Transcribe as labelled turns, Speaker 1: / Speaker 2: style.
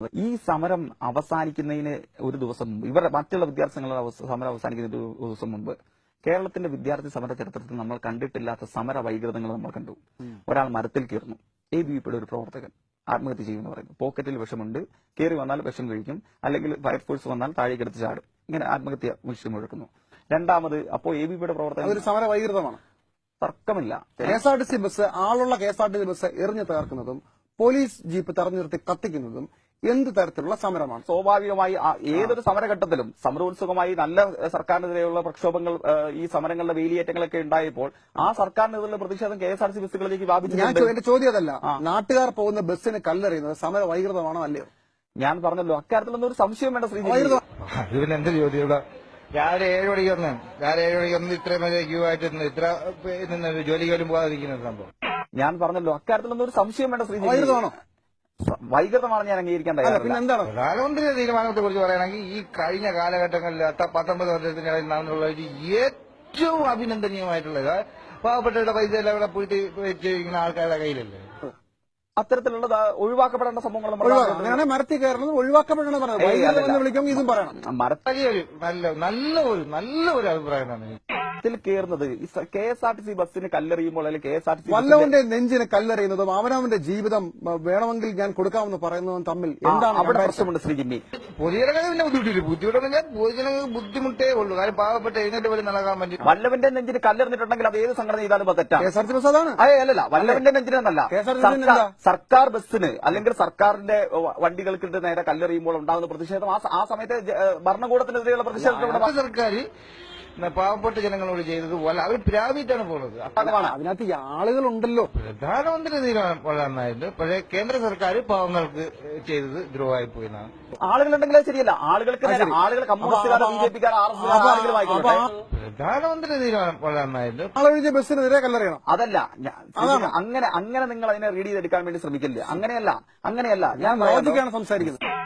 Speaker 1: ഈ സമരം അവസാനിക്കുന്നതിന് ഒരു ദിവസം മുമ്പ് ഇവരുടെ മറ്റുള്ള വിദ്യാർത്ഥികളുടെ സമരം അവസാനിക്കുന്നതിന് ഒരു ദിവസം മുമ്പ് കേരളത്തിന്റെ വിദ്യാർത്ഥി സമര ചരിത്രത്തിൽ നമ്മൾ കണ്ടിട്ടില്ലാത്ത സമര വൈകൃതങ്ങൾ നമ്മൾ കണ്ടു. ഒരാൾ മരത്തിൽ കയറുന്നു, ABVP ഒരു പ്രവർത്തകൻ ആത്മഹത്യ ചെയ്യുമെന്ന് പറയുന്നു. പോക്കറ്റിൽ വിഷമുണ്ട്, കയറി വന്നാൽ വിഷം കഴിക്കും, അല്ലെങ്കിൽ ഫയർഫോഴ്സ് വന്നാൽ താഴേക്കെടുത്ത് ചാടും. ഇങ്ങനെ ആത്മഹത്യ വിഷയം മുഴക്കുന്നു. രണ്ടാമത് അപ്പോൾ ABVP പ്രവർത്തകൻ
Speaker 2: ഒരു സമര വൈകൃതമാണ്,
Speaker 1: തർക്കമില്ല.
Speaker 2: KSRTC ബസ്, ആളുള്ള KSRTC ബസ് എറിഞ്ഞു തകർക്കുന്നതും പോലീസ് ജീപ്പ് തടഞ്ഞു നിർത്തി കത്തിക്കുന്നതും എന്ത് തരത്തിലുള്ള സമരമാണ്?
Speaker 1: സ്വാഭാവികമായി ഏതൊരു സമരഘട്ടത്തിലും സമരോത്സുകമായി നല്ല സർക്കാരിനെതിരെയുള്ള പ്രക്ഷോഭങ്ങൾ, ഈ സമരങ്ങളുടെ വേലിയേറ്റങ്ങളൊക്കെ ഉണ്ടായപ്പോൾ ആ സർക്കാരിനെതിരെയുള്ള പ്രതിഷേധം KSRTC ബസ്സുകളിലേക്ക് വ്യാപിച്ചിട്ടുണ്ട്.
Speaker 2: എന്റെ ചോദ്യം അതല്ല, നാട്ടുകാർ പോകുന്ന ബസ്സിന് കല്ലെറിയുന്നത് സമര വൈകൃതമാണോ അല്ലയോ?
Speaker 1: ഞാൻ പറഞ്ഞല്ലോ, അക്കാര്യത്തിലൊന്നും ഒരു സംശയം വേണ്ട ശ്രീ.
Speaker 3: ഇതിന് എന്ത് ചോദ്യം? രാവിലെ 7 മണിക്ക് ഇത്രയും ക്യൂ ആയിട്ട് ഇത്ര ജോലിക്ക് പോലും പോകാതിരിക്കുന്ന സംഭവം.
Speaker 1: ഞാൻ പറഞ്ഞല്ലോ, അക്കാര്യത്തിലൊന്നും ഒരു സംശയം വേണ്ട ശ്രീ.
Speaker 2: വൈകൃതമാണോ?
Speaker 1: വൈകൃതമാണ് ഞാൻ അംഗീകരിക്കാൻ തയ്യാറില്ല.
Speaker 2: എന്താണ്
Speaker 3: പ്രധാനമന്ത്രിയുടെ തീരുമാനത്തെ കുറിച്ച് പറയുകയാണെങ്കിൽ ഈ കഴിഞ്ഞ കാലഘട്ടങ്ങളിൽ 19 വർഷത്തിനിടയിൽ നടന്നുള്ള ഏറ്റവും അഭിനന്ദനീയമായിട്ടുള്ളത് പാവപ്പെട്ടവരുടെ പൈസ എല്ലാം ഇവിടെ പോയിട്ട് വെച്ചിരിക്കുന്ന ആൾക്കാരുടെ കയ്യിലല്ലേ.
Speaker 1: അത്തരത്തിലുള്ള ഒഴിവാക്കപ്പെടേണ്ട സംഭവങ്ങൾ
Speaker 2: അങ്ങനെയാണ് മരത്തിൽ കയറുന്നത് ഒഴിവാക്കപ്പെടണമെന്ന് വിളിക്കും. ഇതും പറയണം.
Speaker 1: മരത്തിൽ
Speaker 3: നല്ല ഒരു അഭിപ്രായമാണ്
Speaker 1: കയറുന്നത്. KSRTC ബസ്സിന് കല്ലെറിയുമ്പോൾ അല്ലെങ്കിൽ KSRTC
Speaker 2: വല്ലവന്റെ നെഞ്ചിന് കല്ലെറിയുന്നതും അവനവന്റെ ജീവിതം വേണമെങ്കിൽ ഞാൻ കൊടുക്കാമെന്ന് പറയുന്നതും തമ്മിൽ എന്താണ്
Speaker 1: അവിടെ പ്രശ്നമുണ്ട് ശ്രീ ജിമ്മി.
Speaker 3: പൊതുജനങ്ങൾ പിന്നെ ബുദ്ധിമുട്ടില്ല. പൊതുജനങ്ങൾക്ക് ബുദ്ധിമുട്ടേ ഉള്ളൂ. കാര്യം പാവപ്പെട്ട എഴുന്നേറ്റ് പോലും നടക്കാൻ പറ്റും.
Speaker 1: വല്ലവന്റെ നെഞ്ചിന് കല്ലെറിഞ്ഞിട്ടുണ്ടെങ്കിൽ അത് ഏത് സംഘടന ചെയ്താലും തെറ്റാണ്.
Speaker 2: KSRTC ബസ് അതാണ്.
Speaker 1: അല്ലല്ല, വല്ലവന്റെ നെഞ്ചിനെന്നല്ല, സർക്കാർ ബസ്സിന് അല്ലെങ്കിൽ സർക്കാരിന്റെ വണ്ടികൾക്ക് നേരെ കല്ലെറിയുമ്പോൾ ഉണ്ടാകുന്ന പ്രതിഷേധം ആ സമയത്ത് ഭരണകൂടത്തിനെതിരെയുള്ള പ്രതിഷേധം
Speaker 3: സർക്കാർ പാവപ്പെട്ട ജനങ്ങളോട് ചെയ്തത് പോലെ അവർ പ്രാപിച്ചാണ് പോകുന്നത്.
Speaker 2: അതിനകത്ത് ആളുകളുണ്ടല്ലോ.
Speaker 3: പ്രധാനമന്ത്രി തീരുമാനം വളരെ നന്നായിട്ട്. പക്ഷേ കേന്ദ്ര സർക്കാർ പാവങ്ങൾക്ക് ചെയ്തത് ദ്രോഹമായി പോയെന്നാണ്.
Speaker 1: ആളുകളുണ്ടെങ്കിൽ ശരിയല്ല. ആളുകൾക്ക് കമ്മ്യൂണിസ്റ്റുകാരോ BJPക്കാരോ RSS
Speaker 3: പ്രധാനമന്ത്രി തീരുമാനം വളരെ നന്നായിട്ട്.
Speaker 2: ആളുകൾ ബസ്സിനെതിരെ കല്ലെറിയണം.
Speaker 1: അതല്ല, അങ്ങനെ നിങ്ങൾ അതിനെ റീഡ് ചെയ്തെടുക്കാൻ വേണ്ടി ശ്രമിക്കില്ല. അങ്ങനെയല്ല. ഞാൻ
Speaker 2: ലോജിക്കാണ് സംസാരിക്കുന്നത്.